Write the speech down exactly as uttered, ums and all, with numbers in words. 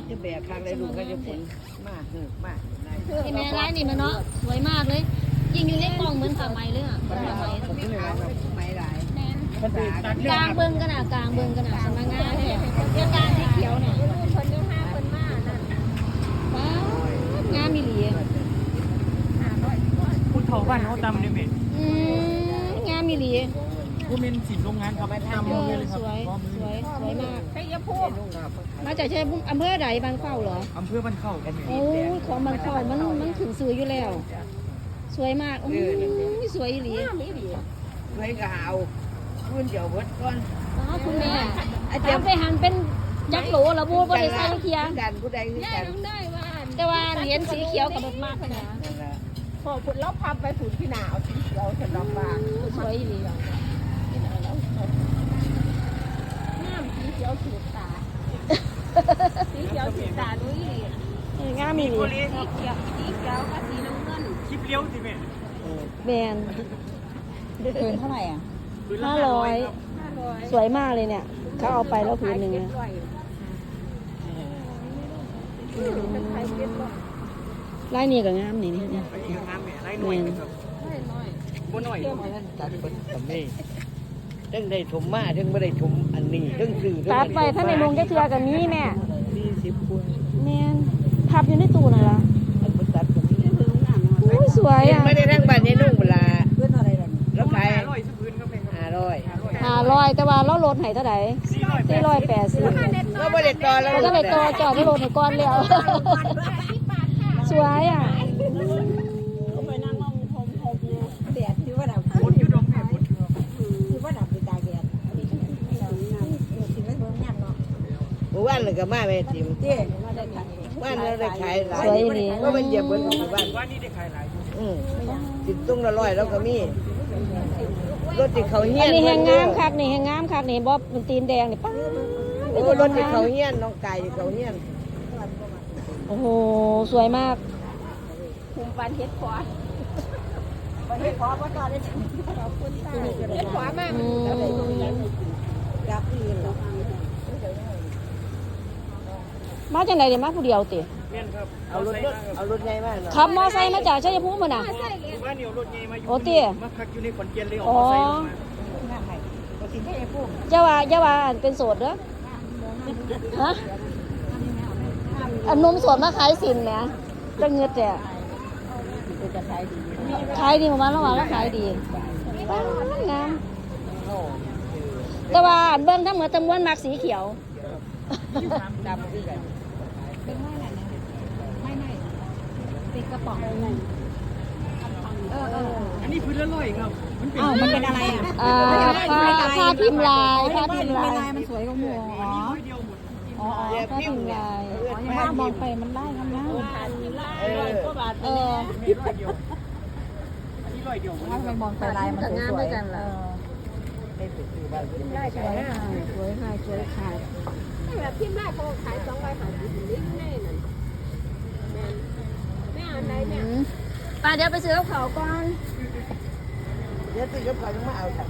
จะแบกข้างได้ลูกก็จะฝนมากเหือกมากไอ้แม่ร้านนี่มันเนาะสวยมากเลยยิงอยู่ในกล่องเหมือนผ้าไหมเลยอ่ะผ้าไหมผมไม่เอาครับไม่หลายแม่นมันเป็นตัดกลางเบิ้งกันอ่ะกลางเบิ้งกันอ่ะสำนักงานเนี่ยเรื่องการสีเขียวเนี่ยคนเยอะห้าคนมากนั่นว้าวงามมีหลีคุณเขาบ้านเขาจำได้ไหมอืมงามมีหลีผู้เป็นสินโรงงานครับทำเอเลอยเลยคสรับวยสวยสวยมากใช่ยาพูดมาจากใช่อำเภอใดบางเข้าเหรออำเภอบ้านเข้าครับโอ้ยของบางเข้ามันมันถึงซื้ออยู่แล้ว สวยมากโอ้ยสวยอีหลีไว้ก็เอาพื้นเดี๋ยวเบิดก่อนอ๋อคุณแม่ทำไปหันเป็นจักโหลละบูบ่ได้ใส่เคียงกันผู้ใดคือกันแต่ว่าเหรียญสีเขียวกับรถมากนะพอฝุ่นแล้วพับไปฝุ่นพี่หนาวสีเขียวฉันดอกบานสวยอีหลีน้ำสีเขียวสูดตา สีเขียวสูดตาดูอีหลีงามอีหลีสีเขียวสีเขียวกับสีน้ำเงินคลิปเลี้ยวสิแม่แมนเกินเท่าไหร่อ่ะห้าร้อยห้าร้อยสวยมากเลยเนี่ยเขาเอาไปแล้วผืนหนึ่งเจ็ดนะร้อยเป็นไทยเจ็ดร้อยลายนี้ก็งามนี่นี่นี่ไปอีกงานแม่ไล่หน่อยครับได้น้อยบ่หน่อยตัดเป็นแบบนี้ทั้งได้ถมมาทั้งไม่ได้ถมอันนี้ทั้งสื่อตัดไปถ้าในโรงจะเทือกับนี้แม่สี่สิบคนแมนพับอยู่ในตู้นั่นล่ะอันตัดแบบนี้อุ้ยสวยอ่ะไม่ได้ทั้งบ้านนี้นุ่งเวลาเพื่อนอะไรล่ะแล้วขายห้าร้อยสักพื้นครับแม่ครับห้าร้อยห้าร้อยแต่ว่าเราลดให้เท่าไหร่สี่ร้อยสี่ร้อยแปดสิบแล้วไม่ได้ต่อแล้วเราก็เลยตัวจอดไม่ลดให้ก้อนแล้วสวยอ่ะแดดที่ว่าดับคนอยู่ดอกแม่คนอยู่ครับที่ว่าดับเป็นตาแดดถึงไม่เบิ่งงามเนาะหมู่บ้านเลยก็มาแม่จิมเจ๊มาได้ขายบ้านเราได้ขายหลายสวยอีหลีก็มันเหยียบเหมือนของหมู่บ้านว่านี่ได้ขายหลายอยู่อืมติดตุ้งละร้อยแล้วก็มีรถติดเขาเฮี้อัยนนนี้แหงงามคักนี่แหงงามคักนี่บ๊อบมันตีนแดงนี่ป้าโอ้รถติดเขาเฮี้ยนน้องไก่ติดเขาเฮี้ยนโอ้โหสวยมากคุมปันเฮ็ดขวาปันเฮ็ดขวาก็ต่อได้ถึงขอบคุณค่ะเฮ็ดขวามากอืมรับอีนมาจากไหนเดี๋ยวมาผู้เดียวติแม่นครับเอารถรถเอารถใหญ่มากเนาะขับมอไซค์มาจากชัยภูมิมาน่ะว่าเนี่ยรถใหญ่มาอยู่โอ้เตี้ยมาพักอยู่ในขอนแก่นเลยออกมาใส่ลงมาอย่าว่าอย่าว่าอันเป็นโสดเด้อฮะอันนมสดมาขายสินแหมจะเงือดแต่ขายดีประมาณแล้วว่าแล้วขายดีป้างามแต่ว่าอันเบิ่งทั้งหมดทั้งมวลมักสีเขียวดำคือกันเป็นกระป๋องเออเอออันนี้พื้นละร้อยครับมันเป็นอ้าวมันเป็นอะไรอ่ะอ่าผ้าผ้าพิมพ์ลายผ้าพิมพ์ลายมันสวยกว่าหมูอันนี้ร้อยเดียวหมดอ๋อเดี๋ยวผ้าพิพิมมพ์พ์เนี่ยลายยังว่ามองไปมันได้กันนะเออเออมีร้อยเดียวอันนี้ร้อยเดียวหมดเลยครับมองไปลายมันสวยได้ไปซื้อบ้านซื้อได้สวยค่ะสวยค่ะสวยค่ะแบบพิมพ์ได้เขาขายสองร้อยห้าสิบลิตรแน่นั่นแม่แม่อันไหนเนี่ยป้าเดี๋ยวไปซื้อกับเขาก่อนเดี๋ยวซื้อกับเขาวยังมาเอาค่ะ